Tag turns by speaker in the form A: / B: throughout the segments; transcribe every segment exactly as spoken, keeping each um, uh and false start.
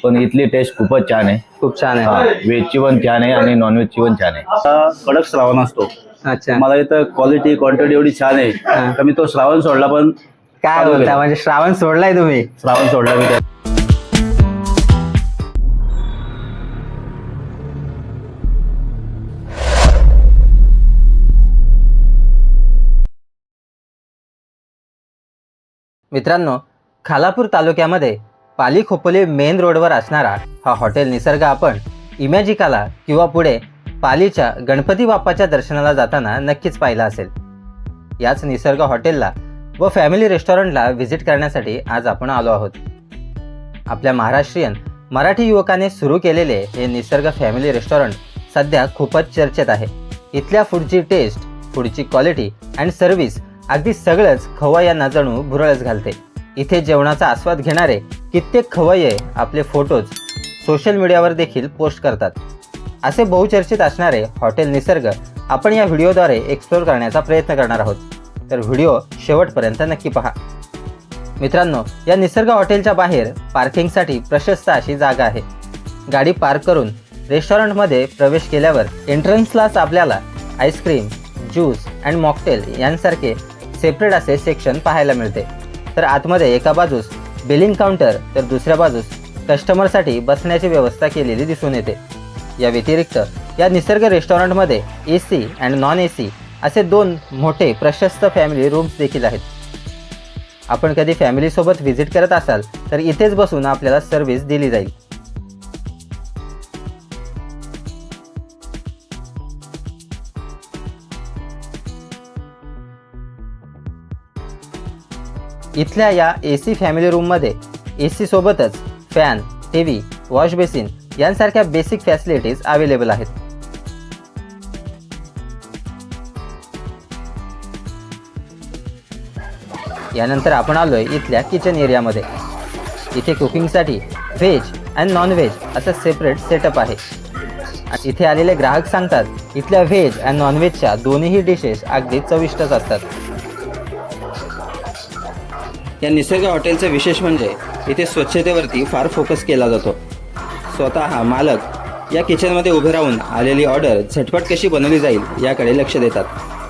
A: पण इथली टेस्ट खूपच छान आहे.
B: खूप छान आहे.
A: व्हेजची पण छान आहे आणि नॉनव्हेजची पण छान आहे.
C: आता कडक श्रावण असतो.
B: अच्छा,
C: मला इथं क्वालिटी क्वांटिटी एवढी छान आहे का मी तो श्रावण सोडला पण
B: काय बोलता, म्हणजे श्रावण सोडलाय तुम्ही?
C: श्रावण सोडला मी त्या
B: मित्रांनो, खालापूर तालुक्यामध्ये पाली खोपोली मेन रोडवर असणारा हा हॉटेल निसर्ग आपण इमॅजिकाला किंवा पुढे पालीच्या गणपती बाप्पाच्या दर्शनाला जाताना नक्कीच पाहिला असेल. याच निसर्ग हॉटेलला व फॅमिली रेस्टॉरंटला व्हिजिट करण्यासाठी आज आपण आलो आहोत. आपल्या महाराष्ट्रीयन मराठी युवकाने सुरू केलेले हे निसर्ग फॅमिली रेस्टॉरंट सध्या खूपच चर्चेत आहे. इथल्या फूडची टेस्ट, फूडची क्वालिटी अँड सर्व्हिस अगदी सगळंच खवय्यांना जणू भुरळच घालते. इथे जेवणाचा आस्वाद घेणारे कित्येक खवय्ये आपले फोटोज सोशल मीडियावर देखील पोस्ट करतात. असे बहुचर्चित असणारे हॉटेल निसर्ग आपण या व्हिडिओद्वारे एक्सप्लोर करण्याचा प्रयत्न करणार आहोत. तर व्हिडिओ शेवटपर्यंत नक्की पहा. मित्रांनो, या निसर्ग हॉटेलच्या बाहेर पार्किंगसाठी प्रशस्त अशी जागा आहे. गाडी पार्क करून रेस्टॉरंटमध्ये प्रवेश केल्यावर एंट्रन्सलाच आपल्याला आईस्क्रीम, ज्यूस अँड मॉकटेल यांसारखे सेपरेट असे सेक्शन पाहायला मिळते. तर आतमध्ये एका बाजूस बिलिंग काउंटर तर दुसऱ्या बाजूस कस्टमरसाठी बसण्याची व्यवस्था केलेली दिसून येते. या व्यतिरिक्त या निसर्ग रेस्टॉरंटमध्ये A C and non A C असे दोन मोठे प्रशस्त फॅमिली रूम्स देखील आहेत. आपण कधी फॅमिलीसोबत व्हिजिट करत असाल तर इथेच बसून आपल्याला सर्व्हिस दिली जाईल. इथल्या या ए सी फॅमिली रूममध्ये ए सी सोबतच fan, T V, wash basin यांसारख्या बेसिक फॅसिलिटीज अवेलेबल आहेत. यानंतर आपण आलोय इथल्या किचन एरियामध्ये. इथे कुकिंगसाठी व्हेज अँड नॉन व्हेज असं सेपरेट सेटअप आहे. इथे आलेले ग्राहक सांगतात इथल्या व्हेज अँड नॉन व्हेजच्या दोन्हीही डिशेस अगदी चविष्टच असतात. या निसर्ग हॉटेलचं विशेष म्हणजे इथे स्वच्छतेवरती फार फोकस केला जातो. स्वतः मालक या किचनमध्ये उभे राहून आलेली ऑर्डर झटपट कशी बनवली जाईल याकडे लक्ष देतात.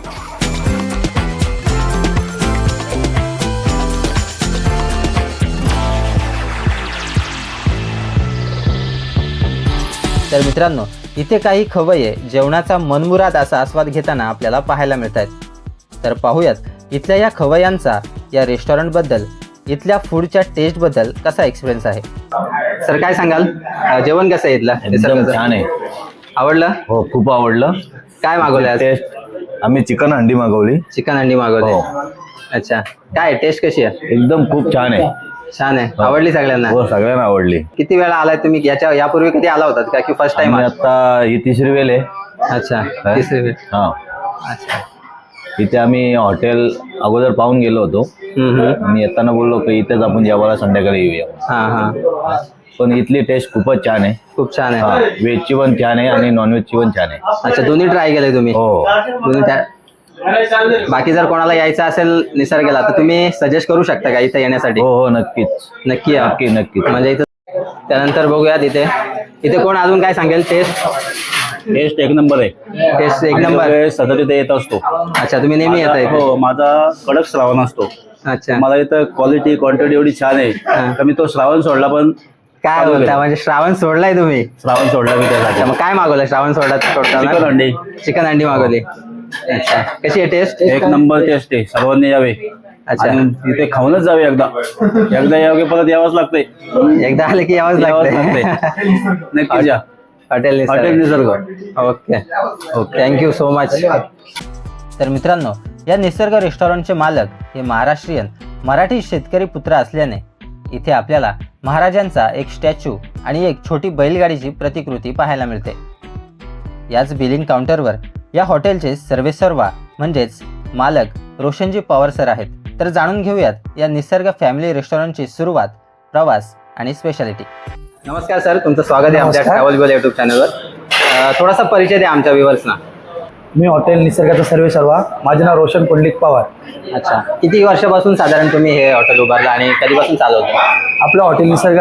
B: तर मित्रांनो, इथे काही खवय्ये जेवणाचा मनमुराद असा आस्वाद घेताना आपल्याला पाहायला मिळत आहेत. तर पाहूयात इथल्या या खवय्यांचा या रेस्टॉरंटबद्दल, इथल्या फूडच्या टेस्टबद्दल कसा एक्सपिरियन्स आहे. सर, काय सांगाल, जेवण कसं आहे इथलं?
A: एकदम छान आहे.
B: आवडलं?
A: हो, खूप आवडलं.
B: काय मागवलं आज?
A: टेस्ट आम्ही चिकन हंडी मागवली.
B: चिकन हंडी मागवली. अच्छा, काय टेस्ट कशी आहे?
A: एकदम खूप छान आहे.
B: छान आहे. आवडली सगळ्यांना?
A: हो, सगळ्यांना आवडली.
B: किती वेळा आलाय तुम्ही? याच्या यापूर्वी कधी आला होतात का की फर्स्ट टाइम?
A: आता ही तिसरी वेळ आहे.
B: अच्छा, तिसरी वेळ.
A: हा.
B: अच्छा,
A: इथे आम्ही हॉटेल अगोदर पाहून गेलो होतो आणि येताना बोललो की इथेच आपण जेवायला संध्याकाळी येऊया.
B: हा हा.
A: पण इथली टेस्ट खूपच छान आहे.
B: खूप छान आहे.
A: व्हेजची पण छान आहे आणि नॉनव्हेजची पण छान आहे.
B: अच्छा, दोन्ही ट्राय केले तुम्ही?
A: हो.
B: दोन्ही त्या बाकी जर कोणाला यायचं असेल निसर्गाला तर तुम्ही सजेस्ट करू शकता का इथे येण्यासाठी?
A: हो हो, नक्कीच
B: नक्की या.
A: नक्की नक्की.
B: म्हणजे इथं त्यानंतर बघूयात इथे इथे कोण अजून काय सांगेल? टेस्ट
C: टेस्ट एक नंबर आहे.
B: टेस्ट एक नंबर.
C: सतत इथे येत असतो.
B: अच्छा, तुम्ही नेहमी येताय?
C: हो, माझा कडक श्रावण असतो.
B: अच्छा,
C: मला इथं क्वालिटी क्वांटिटी एवढी छान आहे का मी तो श्रावण सोडला पण
B: काय बोलता, म्हणजे श्रावण सोडलाय तुम्ही?
C: श्रावण सोडला मी त्यासाठी.
B: मग काय मागवलं श्रावण सोडला सोडताना?
C: चिकन हंडी.
B: चिकन हंडी मागवली. अच्छा, कशी आहे टेस्ट?
C: एक नंबर टेस्ट आहे. सर्वांनी यावे.
B: अच्छा,
C: तिथे खाऊनच जावे. एकदा एकदा यावे परत यावंच लागते.
B: एकदा आले की यावंच लागते.
C: नक्कीच या.
B: Hotel
C: hotel Nisarg.
B: Okay okay, thank you so much. तर मित्रांनो, या निसर्ग रेस्टॉरंटचे मालक हे महाराष्ट्रीयन मराठी शेतकरी पुत्र असल्याने इथे आपल्याला महाराजांचा एक स्टॅच्यू आणि एक छोटी बैलगाडीची प्रतिकृती पाहायला मिळते. याच बिलिंग काउंटरवर या हॉटेलचे सर्वेसर्वा म्हणजेच मालक रोशनजी पवार सर आहेत. तर जाणून घेऊयात या निसर्ग फॅमिली रेस्टॉरंटची सुरुवात, प्रवास आणि स्पेशालिटी. नमस्कार सर, तुमचं स्वागत आहे आमच्या ट्रॅव्हल गोल युट्यूब चॅनलवर. थोडासा परिचय द्या आमच्या व्ह्युअर्सना.
D: मी हॉटेल निसर्गाचा सर्वेसर्वा. माझे नाव रोशन पुंडलिक पवार.
B: अच्छा, किती वर्षापासून साधारण तुम्ही हे हॉटेल उभारलं आणि कधीपासून चालवतं?
D: आपलं हॉटेल निसर्गाला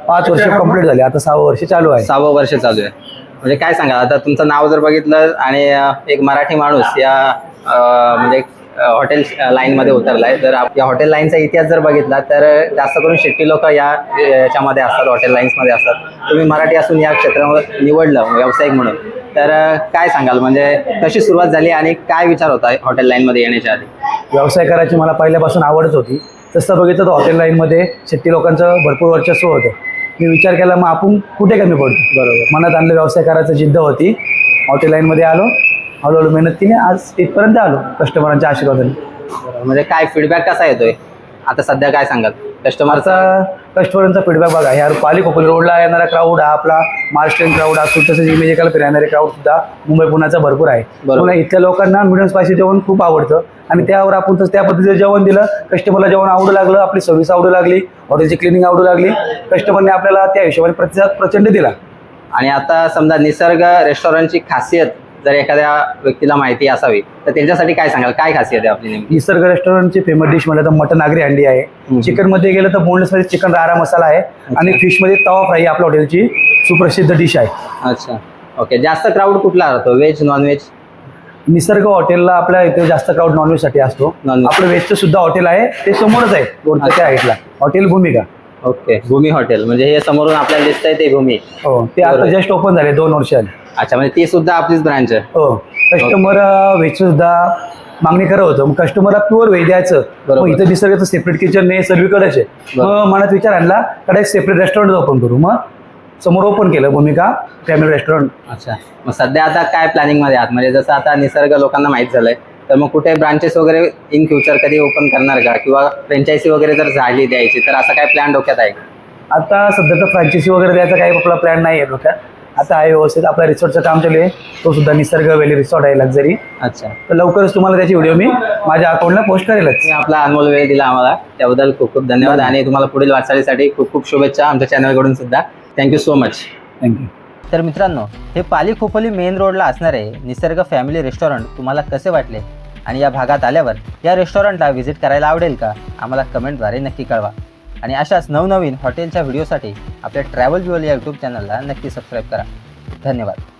D: पाच वर्ष कंप्लीट झाले, आता सहावं वर्ष चालू आहे.
B: सहावं वर्ष चालू आहे. म्हणजे काय सांगा आता तुमचं नाव जर बघितलं आणि अं, एक मराठी माणूस या अं, म्हणजे हॉटेल लाईनमध्ये उतरलाय, तर आप- या हॉटेल लाईनचा इतिहास जर बघितला तर जास्त करून शेट्टी लोक या याच्यामध्ये असतात, हॉटेल लाईन्समध्ये असतात. तुम्ही मराठी असून या क्षेत्रामध्ये निवडलं व्यावसायिक म्हणून, तर अं, काय सांगाल म्हणजे कशी सुरुवात झाली आणि काय विचार होता हॉटेल लाईनमध्ये येण्याच्या आधी?
D: व्यवसाय करायची मला पहिल्यापासून आवडच होती. तसं बघितलं तर हॉटेल लाईनमध्ये शेट्टी लोकांचं भरपूर वर्चस्व होतं. मी विचार केला मग आपण कुठे कमी पडतो. बरोबर, मनात आणलं व्यवसाय करायचं जिद्द होती. हॉटेल लाईनमध्ये आलो, हळूहळू मेहनत केली, आज इथपर्यंत आलो कस्टमरांच्या आशीर्वादाने.
B: म्हणजे काय फीडबॅक कसा येतोय आता सध्या, काय सांगाल कस्टमरचा?
D: आता कस्टमरांचा फीडबॅक बघा, ह्या पाली खोपोली रोडला येणारा क्राऊड हा आपला महाराष्ट्रीयन क्राऊड असतो, तसेच इमेजिकल फिरणारे क्राऊड सुद्धा मुंबई पुण्याचा भरपूर आहे. पुन्हा इथल्या लोकांना मिडियम स्पायसी जेवण खूप आवडतं आणि त्यावर आपण तसं त्या पद्धतीचं जेवण दिलं, कस्टमरला जेवण आवडू लागलं, आपली सर्व्हिस आवडू लागली, हॉटेलची क्लिनिंग आवडू लागली, कस्टमरने आपल्याला त्या हिशोबाने प्रतिसाद प्रचंड दिला.
B: आणि आता समजा निसर्ग रेस्टॉरंटची खासियत जर एखाद्या व्यक्तीला माहिती असावी तर त्यांच्यासाठी काय सांगाल, काय खासियत आहे आपली नेमकी?
D: निसर्ग रेस्टॉरंटची फेमस डिश म्हणलं तर मटन आगरी हंडी आहे. चिकन मध्ये गेलं तर बोनलेस मध्ये चिकन रारा मसाला आहे आणि फिश मध्ये तवा फ्राय आपल्या हॉटेलची सुप्रसिद्ध डिश आहे.
B: अच्छा, ओके. जास्त क्राऊड कुठला राहतो, व्हेज नॉनव्हेज?
D: निसर्ग हॉटेलला आपल्या इथे जास्त क्राऊड नॉनव्हेज साठी असतो.
B: Non-veg.
D: आपलं व्हेजचं सुद्धा हॉटेल आहे, ते समोरच आहे रोडच्या त्या साईडला, हॉटेल भूमिका.
B: ओके, भूमी हॉटेल म्हणजे हे समोरून आपल्याला दिसतंय ते भूमी.
D: हो, ते आता
B: बरोबर.
D: जस्ट ओपन झाले दोन वर्षांनी.
B: अच्छा, म्हणजे ती सुद्धा आपलीच ब्रांच आहे.
D: हो, कस्टमर व्हेज सुद्धा मागणी करत होतं. मग कस्टमरला प्युअर व्हेज द्यायचं,
B: बरोबर.
D: मग इथं निसर्गाचं सेपरेट किचन नाही, सर्वीकडेच आहे.
B: बरोबर.
D: मग मनात विचार आणला कडे एक सेपरेट रेस्टॉरंट ओपन करू. मग समोर ओपन केलं भूमिका फॅमिली रेस्टॉरंट.
B: अच्छा, मग सध्या आता काय प्लॅनिंग मध्ये आहात? म्हणजे जसं आता निसर्ग लोकांना माहीत झालंय, तर मग कुठे ब्रांचेस वगैरे इन फ्युचर कधी ओपन करणार का, किंवा फ्रँचायझी वगैरे जर झाली द्यायची तर असा काय प्लॅन डोक्यात आहे का?
D: आता सध्या तर फ्रँचायसी वगैरे द्यायचा काही आपला प्लॅन नाही आहे डोक्यात. आता आहे व्यवस्थित आपल्या रिसॉर्टचं काम चालू आहे, तो सुद्धा निसर्ग व्हॅली रिसॉर्ट आहे लक्झरी.
B: अच्छा,
D: तर लवकरच तुम्हाला त्याची व्हिडिओ मी माझ्या अकाउंटला पोस्ट करेलच.
B: तुम्ही आपला अनमोल वेळ दिला आम्हाला, त्याबद्दल खूप खूप धन्यवाद आणि तुम्हाला पुढील वाटचालीसाठी खूप खूप शुभेच्छा आमच्या चॅनलकडून सुद्धा. Thank you so much.
D: थँक्यू.
B: तर मित्रांनो, हे पाली खोपोली मेन रोडला असणारे निसर्ग फॅमिली रेस्टॉरंट तुम्हाला कसे वाटले आणि या भागात आल्यावर या रेस्टॉरंटला व्हिजिट करायला आवडेल का, आम्हाला कमेंटद्वारे नक्की कळवा. आणि अशाच नवनवीन हॉटेलच्या व्हिडिओसाठी आपल्या ट्रॅव्हल ज्युअल या यूट्यूब चॅनलला नक्की सबस्क्राईब करा. धन्यवाद.